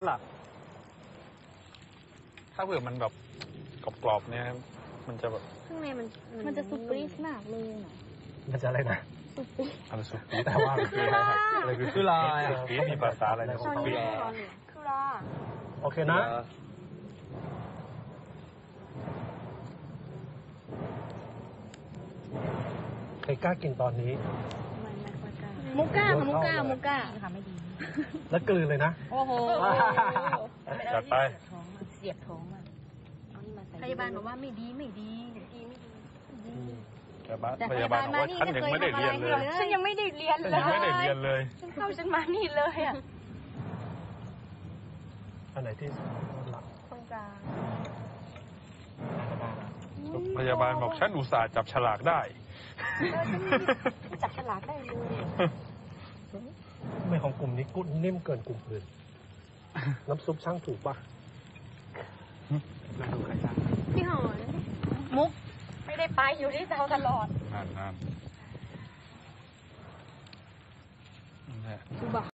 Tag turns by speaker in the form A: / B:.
A: ล่ะถ้าเผื่อมันแบบกรอบๆเนี่ยมันจะแบบ
B: ข้างในมัน
C: จะสุปรีสมากเลยนะ
D: มันจะอะไรนะ
C: สุปรีส
A: อะไรสุดปี๊ด
D: แต่ว่ามันคืออะไรคือลาย
A: ปี๊ดมีภาษาอะไรนะ
B: ตอน
A: ปี๊
B: นี้
A: ด
B: ร้อนเลยคือรอ
D: โอเคนะใครกล้ากินตอนนี้
B: ไม่ค่อยกล้า
C: มุกก้าค่ะมุกก้ามุกก้า
B: ค่ะไม่ดี
D: แล้วกลืนเลยนะ
C: โอ้โห
A: จัดไป
B: ท้องเสียบท้องอ่ะเอานี่มาใส่
C: พยาบาลบอกว่าไม่ดีไม่ดี
A: พยาบาลบอกว่าฉันยังไม่ได้เรียนเลย
B: ฉันยังไม่ได้เรียน
A: ฉัน
B: เล
A: ยังไม่ได้เรียนเลย
B: ฉันเข้าฉันมานี่เลยอ่ะ
D: อันไหนที่หลัก
B: ตรงกลาง
A: พยาบาลบอกฉันอุตส่าห์จับฉลากได้
B: จับฉลากได้เลย
D: ทำไมของกลุ่มนี้กุ้งนิ่มเกินกลุ่มอื่น น้ำซุปช่างถูกป่ะแล้วดูใครช่าง
C: พี่หอมุก
B: ไม่ได้ไปอยู่ที่เตาตลอด
A: นั่น
C: สุบะ